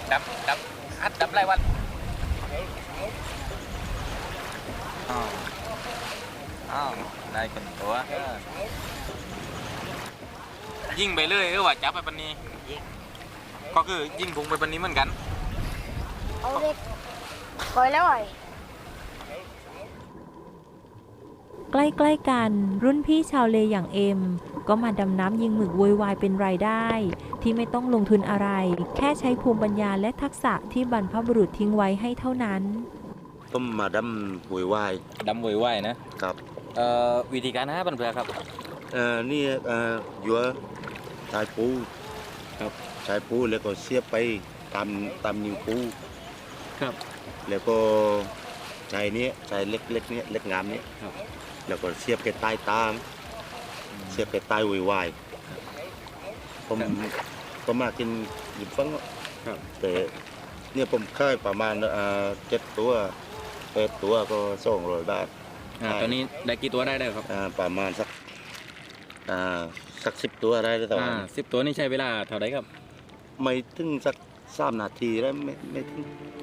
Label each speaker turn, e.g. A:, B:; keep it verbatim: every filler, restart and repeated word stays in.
A: ดำดำฮัดดำไรวันอ้าวอ้าวได้กันตัวยิงไปเลยเออว่าจับไปปันนี้ก็คือยิงพุงไปปันนี้เหมือนกัน
B: เอาเด็กคอยแล้วไอ้
C: ใกล้ๆกันรุ่นพี่ชาวเลอย่างเอ็มก็มาดำน้ำยิงหมึกโวยวายเป็นรายได้ที่ไม่ต้องลงทุนอะไรแค่ใช้ภูมิปัญญาและทักษะที่บรรพบุรุษทิ้งไว้ให้เท่านั้น
D: ต้มมาดำโวยวาย
A: ดำโวยวายนะครับเอ่อวิธีการหาปันเพื่อครับ
D: เอ่อนี่เอ่อยัวชายปูครับชายปูแล้วก็เสียบไปตามตามนิ้วปู
A: ครับ
D: แล้วก็ชายนี้ชายเล็กเล็กนี้เล็กงามนี้
A: ครับ
D: แล้วก็เสียบไปใต้ตามเสียบไปใต้โวยวายผมผมมากินหยิบฟังแต่เนี่ยผมค่ายประมาณอ่าเจ็ดตัวแปดตัวก็สองร้อยบาท
A: อ่าตอนนี้ได้กี่ตัวได้ได้ครับ
D: อ่าประมาณสักอ่าสักสิบตัวได้แล้วตอน
A: นี้สิบตัวนี่ใช้เวลาเท่าไหร่ครับ
D: ไม่ถึงสักสามนาทีแล้วไม่ไม่ถึง